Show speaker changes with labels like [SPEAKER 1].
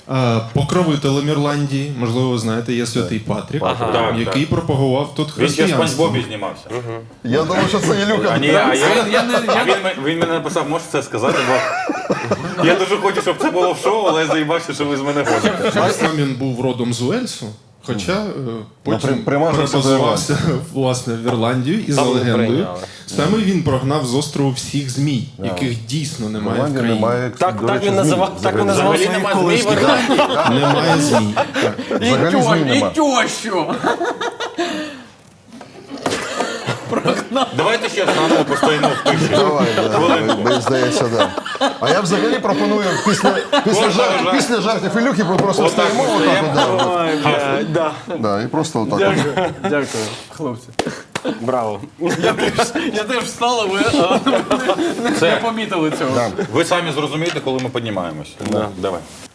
[SPEAKER 1] Покровителем Ірландії, можливо, ви знаєте, є святий Патрік, який пропагував тут
[SPEAKER 2] Він ще в
[SPEAKER 1] християнство.
[SPEAKER 2] Спанч Бобі знімався.
[SPEAKER 3] Я думав, що це Ілюха.
[SPEAKER 2] А ні, він мене написав, можеш це сказати, бо я дуже хочу, щоб це було в шоу, але я заїбався, що ви з мене ходите.
[SPEAKER 1] Сам він був родом з Уельсу, хоча потім
[SPEAKER 3] примазався до
[SPEAKER 1] перебазувався власне в Ірландію і за
[SPEAKER 4] Там не
[SPEAKER 1] легендою.
[SPEAKER 4] прийняли.
[SPEAKER 1] Саме він прогнав з острову всіх змій, яких дійсно немає в країні.
[SPEAKER 3] Немає,
[SPEAKER 4] Так,
[SPEAKER 3] до
[SPEAKER 4] так
[SPEAKER 3] речі,
[SPEAKER 4] він називав,
[SPEAKER 3] змій.
[SPEAKER 4] так він називав
[SPEAKER 2] Взагалі
[SPEAKER 4] своїх
[SPEAKER 2] нема змій в
[SPEAKER 4] колишніх.
[SPEAKER 2] Ірландії.
[SPEAKER 1] Немає змій.
[SPEAKER 3] Взагалі змій нема.
[SPEAKER 5] тещу.
[SPEAKER 2] Давайте ще заново постоїмо в тиші.
[SPEAKER 3] Давай, мені здається, да. А я взагалі пропоную після жартів Ілюхи ми просто
[SPEAKER 2] Отак
[SPEAKER 3] стоїмо,
[SPEAKER 2] ми
[SPEAKER 3] отак,
[SPEAKER 2] стоїмо.
[SPEAKER 5] Ой, бля, да.
[SPEAKER 3] да, і просто отак.
[SPEAKER 5] Дякую, хлопці.
[SPEAKER 4] Браво.
[SPEAKER 5] Я теж встала, ви не помітили цього.
[SPEAKER 2] Ви самі зрозумієте, коли ми піднімаємось. Давай.